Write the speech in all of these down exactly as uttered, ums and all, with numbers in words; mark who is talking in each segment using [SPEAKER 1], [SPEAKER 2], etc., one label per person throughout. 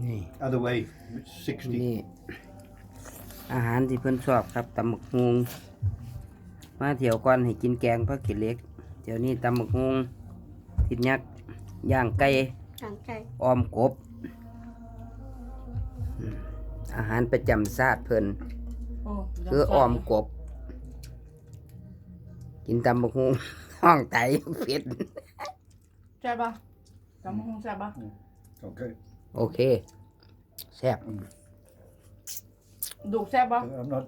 [SPEAKER 1] นี่
[SPEAKER 2] Other way, it's sixty.
[SPEAKER 1] นี่อาหารที่เพิ่นชอบครับตำบักฮุงมาเที่ยวก่อนให้กินแกงผักขี้เหล็กเดี๋ยวนี้ตำบักฮุงทิดยักษ์ย่างไก่
[SPEAKER 3] หางไก่
[SPEAKER 1] ออมกบอืมอาหารประจำชาติเพิ่น
[SPEAKER 4] โอ้
[SPEAKER 1] คือออมกบ กินตำบักฮุง ห้องไตเผ็ด
[SPEAKER 4] ใช่ปะจำคงใช่ปะ
[SPEAKER 2] Okay.
[SPEAKER 1] โอเคแซ่บ
[SPEAKER 4] ดูแซ่บปะ
[SPEAKER 2] I'm not.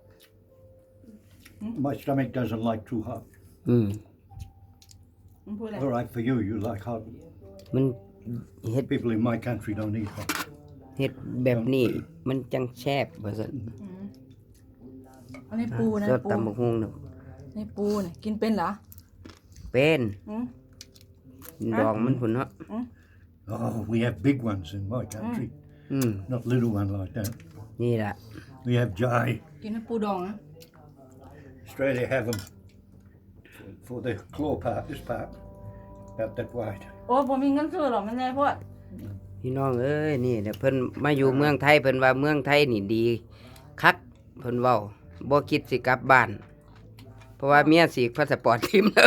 [SPEAKER 2] My stomach doesn't like too hot.
[SPEAKER 1] อืม
[SPEAKER 4] มันพูดอะไร
[SPEAKER 2] All right for you, you like hot.
[SPEAKER 1] มันเฮ็ด
[SPEAKER 2] People in my country don't eat hot.
[SPEAKER 1] เฮ็ดแบบนี้มันจังแซ่บว่าซั่น
[SPEAKER 4] อืมอันนี้ปูนะ
[SPEAKER 1] สด
[SPEAKER 4] ปู
[SPEAKER 1] ตำบักฮุงเนาะ
[SPEAKER 4] นี่ปูเนี่ยกินเป็นเหรอ
[SPEAKER 1] เป็น
[SPEAKER 4] อืม
[SPEAKER 1] ดองมันพุ่นเนาะ
[SPEAKER 2] Oh, we have big ones in my country,
[SPEAKER 1] อืม
[SPEAKER 2] not little one like that.
[SPEAKER 1] นี่ล่ะ
[SPEAKER 2] We have jai.
[SPEAKER 4] กินน้ำปูดองนะ
[SPEAKER 2] Australia have them for the claw part, this part, about that wide.
[SPEAKER 4] โอ้ผมมีเงินซื้อหรอกมันแน่พวก
[SPEAKER 1] พี่น้องเอ้ยนี่เดี๋ยวเพิ่นมาอยู่เมืองไทยเพิ่นว่าเมืองไทยนี่ดีคักเพิ่นเว้าบ่คิดสิกลับบ้าน เพราะว่าเมียสีกพาสปอร์ตทิมแล้ว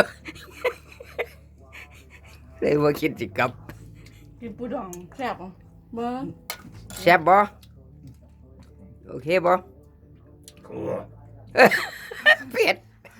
[SPEAKER 1] เลยบ่คิดสิกลับ
[SPEAKER 4] กินปูดองแซ่บอ่ะเบิ้ง
[SPEAKER 1] แซ่บบ่โอเคบ่ เผ็ด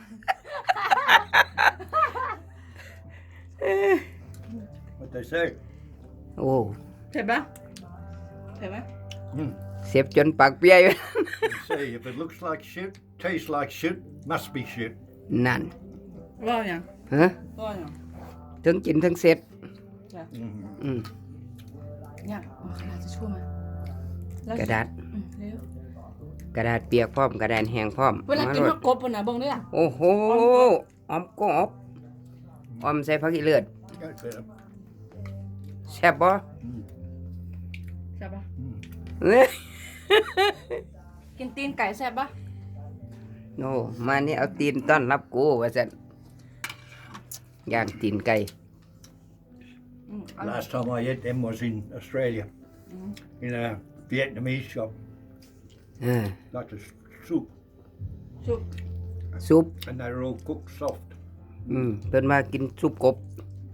[SPEAKER 2] What they say?
[SPEAKER 1] โอ้
[SPEAKER 4] เผ็ดปะเผ็ดไหม
[SPEAKER 2] Mm.
[SPEAKER 1] เสียบจนปากเปียอยู่
[SPEAKER 2] They say if it looks like shit, tastes like shit, must be shit.
[SPEAKER 1] นั่น
[SPEAKER 4] ว่าอย่าง
[SPEAKER 1] ฮะ
[SPEAKER 4] ว่าอย่าง
[SPEAKER 1] ทั้งกินทั้งเสร็จ
[SPEAKER 2] Mm.
[SPEAKER 1] อืม
[SPEAKER 4] อย่างเอากระดาษจะช่วยมาแล้ว
[SPEAKER 1] กระดาษ
[SPEAKER 4] อืมเร็ว
[SPEAKER 1] กระดาษเปียกพร้อมกระดาษแห้งพร้อม
[SPEAKER 4] เวลากิน
[SPEAKER 1] โล
[SPEAKER 4] ผั
[SPEAKER 1] ด
[SPEAKER 4] กกบปุ่นนะเบิ้งด้วยอ่ะ
[SPEAKER 1] โอ้โหออมกบออมใส่ผักอีเลือด
[SPEAKER 2] Okay.
[SPEAKER 1] แซ่บบ่
[SPEAKER 4] แซ่บปะ
[SPEAKER 1] เอ้ย
[SPEAKER 4] กินตีนไก่แซ่บปะ
[SPEAKER 1] โน่มานี่เอาตีนต้อนรับกูว่าซั่นย่างตีนไก่
[SPEAKER 4] อืมอร่อย
[SPEAKER 2] Last time I ate them was in Australia, in a Vietnamese shop,
[SPEAKER 1] เออ
[SPEAKER 2] like a soup,
[SPEAKER 4] ชุบ
[SPEAKER 1] ซุป
[SPEAKER 2] and they were all cooked soft,
[SPEAKER 1] อืมเพิ่นมากินซุปกบ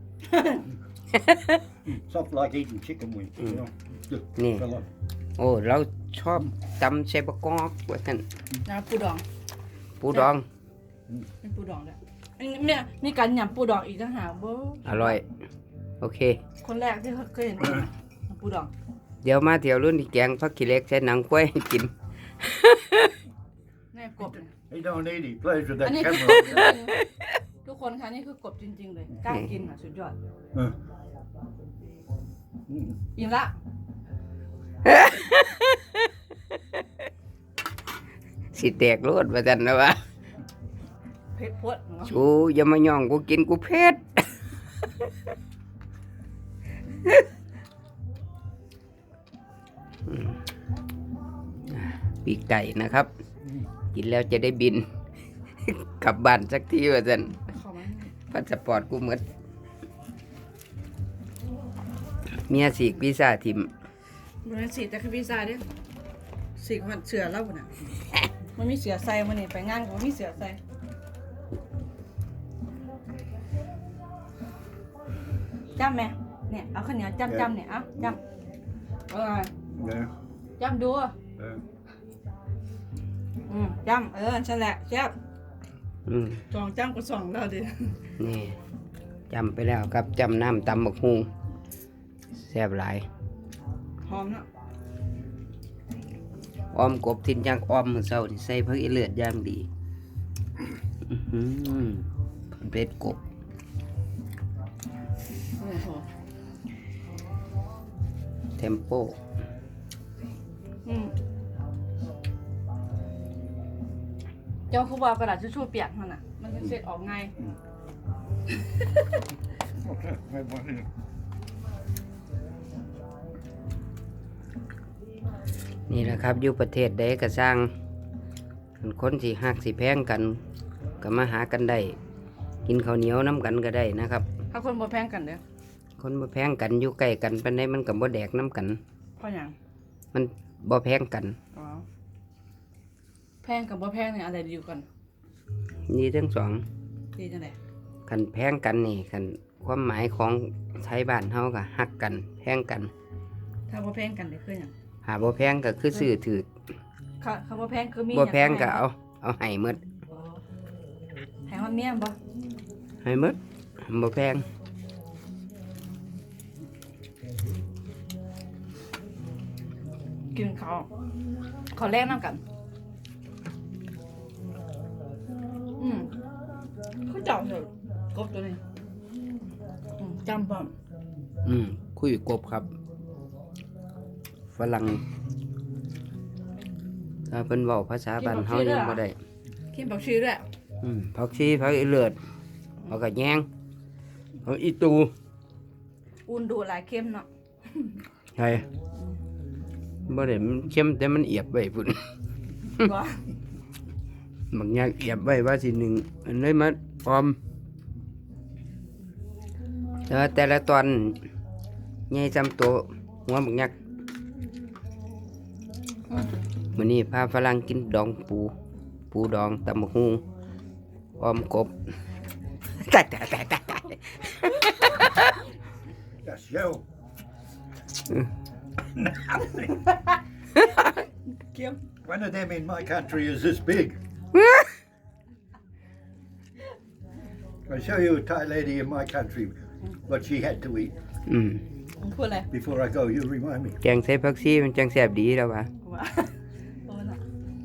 [SPEAKER 2] soft like eating chicken wings. You know, just
[SPEAKER 1] Yeah.
[SPEAKER 2] fell off.
[SPEAKER 1] โอ้เราชอบตำใส่บะกอกว่าซั่น
[SPEAKER 4] นะปูดอง
[SPEAKER 1] ปูดอง
[SPEAKER 4] เป็นปูดองด้วยอันนี้เนี่ยมีการยำปูดองอีกต่างหากเบ้อ
[SPEAKER 1] อร่อย โอเค
[SPEAKER 4] คนแรกที่เคยเห็นยำปูดอง
[SPEAKER 1] เดี๋ยวมาเที่ยวรุ่นที่แกงผักขี้เหล็กใส่หนังกล้วยให้กิน
[SPEAKER 4] แน่กบ
[SPEAKER 2] He don't eat, he plays with that
[SPEAKER 4] I need-
[SPEAKER 2] camera.
[SPEAKER 4] ทุกคนคะนี่คือกบจริง ๆ เลยกล้ากินอ่ะสุดยอด
[SPEAKER 2] Uh, mm.
[SPEAKER 4] อิ่มละ
[SPEAKER 1] สิแตกโลดว่าซั่นนะว่า
[SPEAKER 4] เผ็ดพดเนาะ
[SPEAKER 1] ชูอย่ามาย่องกูกินกูเผ็ด อืมอ่าปีกไก่นะครับ กินแล้วจะได้บิน กลับบ้านสักทีว่าซั่น
[SPEAKER 4] เข้ามา
[SPEAKER 1] พาสปอร์ตกูหมดเมียสีกวีซ่าทิม
[SPEAKER 4] บริสีแต่คือพิซซ่าเด้สีกมันเสือแล้วปุ่นอ่ะมันมีเสือใส่มันนี่ไปงานก็มีเสือใส่จ้ำไหมเนี่ยเอาข้าวเหนียวจ้ำจ้ำเนี่ยเอาจ้ำเออ
[SPEAKER 2] Yeah.
[SPEAKER 4] จ้ำดู
[SPEAKER 2] Uh,
[SPEAKER 4] อืมจ้ำเออฉันแหละแซ่บ
[SPEAKER 1] อืม
[SPEAKER 4] สองจ้ำก็สองแล้วดิ
[SPEAKER 1] นี่จำไปแล้วครับจำน้ำตำบักฮุงแซ่บหลาย
[SPEAKER 4] หอมเนาะ
[SPEAKER 1] ออมกบทินจังออมมื้อเช้านี่ใส่ผักอีเลือดอย่างดีอื้อหือเป็ดกบ
[SPEAKER 4] โอ้โห
[SPEAKER 1] เทมโป
[SPEAKER 4] อืมเจ้าคือว่ากระดาษทิชชู่เปียกมันอ่ะ มันจะเสร็จออกไง
[SPEAKER 2] okay, have one here.
[SPEAKER 1] นี่แหละครับอยู่ประเทศใดก็สร้างคนสิฮักสิแพงกันก็มาหากันได้ กินข้าวเหนียวน้ำกันก็ได้นะครับ
[SPEAKER 4] ถ้าคนบ่แพงกันเด้อ
[SPEAKER 1] คนมาแพงกันอยู่ใกล้กันปานใดมันก็บ่แดกน้ำกัน
[SPEAKER 4] พเพราะหยัง
[SPEAKER 1] มันบ่แพงกัน
[SPEAKER 4] อ๋อแพงกับบ่แพงเนี่ยอะไรดีกว่ากัน
[SPEAKER 1] นี่ทั้งสอง
[SPEAKER 4] ดีจังได๋
[SPEAKER 1] คันแพงกันนี่คันความหมายของไทยบ้านเฮาก็ฮักกันแพงกัน
[SPEAKER 4] ถ้าบ่แพงกันได้คือหยัง
[SPEAKER 1] หาบ่แพงก็คือซื้อถือ
[SPEAKER 4] ค่ะคำว่าแพงคือมี
[SPEAKER 1] บ่แพงก็เอาเอาให้หมด
[SPEAKER 4] อ๋อให้ฮอดเมียบ่
[SPEAKER 1] ให้หมดบ่แพง
[SPEAKER 4] กินข้าวขอแลกน้ำกัน อืมเขาจับเถอะกบตัวนี้อืมจำป่ะ
[SPEAKER 1] อืมคุยกบครับฝรั่งถ้าเพิ่นเว้าภาษาบ้านเฮายังบ่ได้
[SPEAKER 4] กินผักชีด้วย
[SPEAKER 1] อืมผักชีผักอีเลือดผักกะแยงผักอีตู
[SPEAKER 4] อุ่นดูหลายเข้มเนาะ
[SPEAKER 1] ใช่บ่ได้มันเค็มแต่มันเอียบไว้พุ่น
[SPEAKER 4] ว่า
[SPEAKER 1] บางอย่างเอียบไว้ว่าสิหนึ่งอันเลยมาออมแต่ว่าแต่ละตอนใหญ่จำโตหัวบางยักษ์มื้อนี้พาฝรั่งกินดองปู ปูดองตำบักหุ่งออมกบ ตายตายตายตายตาย
[SPEAKER 2] That's you.
[SPEAKER 4] เข้ม
[SPEAKER 2] One of them in my country is this big. I'll show you a Thai lady in my country what she had to eat.
[SPEAKER 1] อืม
[SPEAKER 4] พูดอะไร
[SPEAKER 2] Before I go, you remind me.
[SPEAKER 1] แกงใส่ผักชีมันจังแซ่บดีแล้ววะ
[SPEAKER 4] ว่าโอ้น่ะ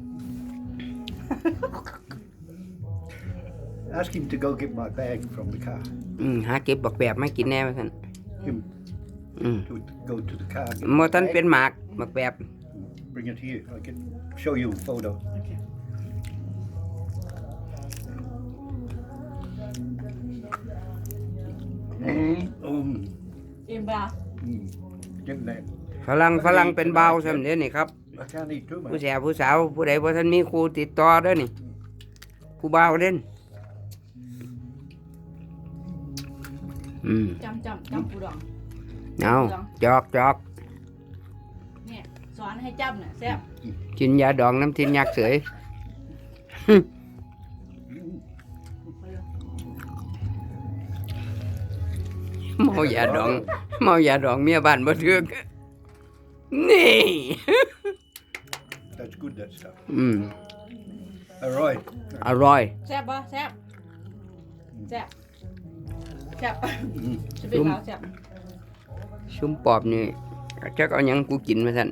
[SPEAKER 2] Ask him to go get my bag from the car.
[SPEAKER 1] อืมหาเก็บบักแบบมากินแน่ว่าซั่น
[SPEAKER 2] Him
[SPEAKER 1] อืม
[SPEAKER 2] to go to the car. Get
[SPEAKER 1] บ่
[SPEAKER 2] my
[SPEAKER 1] ทัน
[SPEAKER 2] bag,
[SPEAKER 1] เป็นหมากบักแบบ
[SPEAKER 2] bring it here. I can show you a photo.
[SPEAKER 4] โอเค
[SPEAKER 2] Um,
[SPEAKER 4] อิ่มเปล่า
[SPEAKER 2] mm, get that.
[SPEAKER 1] ฝรั่งฝรั่งเป็นเบาซำเด้อนี่ครับ
[SPEAKER 2] I can't eat too
[SPEAKER 1] ผู้
[SPEAKER 2] much.
[SPEAKER 1] แสบผู้สาวผู้ใดบ่ทันมีครูติดต่อเด้อนี่ ผู้บ่าวเด่นอืม
[SPEAKER 4] จำจำจำปูดอง
[SPEAKER 1] เอาจอกจอก
[SPEAKER 4] เนี่ยสอนให้จำเนี่ยแซ่บ
[SPEAKER 1] กินยาดองน้ำทินยักษ์เสย เมายาดองเมายาดองเมียบ้านบ่ถึกนี่
[SPEAKER 2] That's good, that stuff.
[SPEAKER 1] อืม
[SPEAKER 2] All right.
[SPEAKER 1] อร่อย
[SPEAKER 4] แซ่บปะแซ่บแซ่บแซ่บ
[SPEAKER 2] Mm.
[SPEAKER 4] จะเป็นเราแซ่บ
[SPEAKER 1] ชุมปอบนี่จักเอาหยังกูกินมาซั่น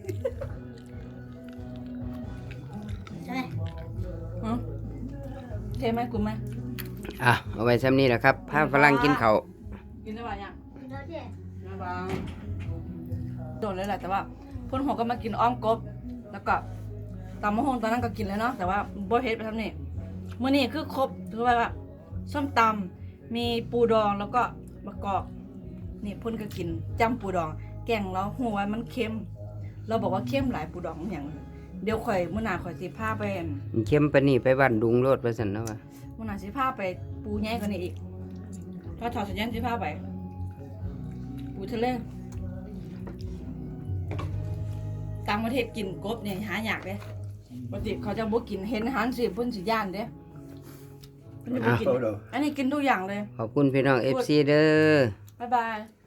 [SPEAKER 4] ใช่ไหมอืมเทไหมกูไหม
[SPEAKER 1] อ่ะเอาไว้ซ้ำนี้แหละครับพาฝรั่งกินข้าว
[SPEAKER 4] กินได้ป่ะยังไม่บางโดนเลยแหละแต่ว่าเพ่นหัวก็มากินอ้อมกบ แล้วก็ตำมะฮงตอนนั้นก็กินแล้วเนาะแต่ว่าบ่เฮ็ดไปทำนี่มื้อนี้คือครบถือว่าว่าส้มตำมีปูดองแล้วก็มะกอกนี่เพ่นก็กินจำปูดอง แกงแล้วหัวามันเค็ม เราบอกว่าเค็มหลายปูดองอหย่างเดี๋ยวข่อยมื้อหน้าข่อยสิพาไปอั่น
[SPEAKER 1] มันเข้มปานนี้ไปบ้านดุงโลดว่าซั่นเนาะว่า
[SPEAKER 4] มื้อหน้าสิพาไปปูใหญ่กว่านี้อีกถ้าถอดสัญญาณสิพาไป ปูทะเลต่างประเทศกินกบเนี่ยหายากเด้ปกติเขาจะบ่กินเห็นอาหารสิเพิ่นสิย่านเด้เพิ่นจะบ่กิน
[SPEAKER 2] Photo.
[SPEAKER 4] อันนี้กินทุกอย่างเลย
[SPEAKER 1] ขอบคุณพี่น้อง เอฟ ซี เด้อ
[SPEAKER 4] บ๊ายบาย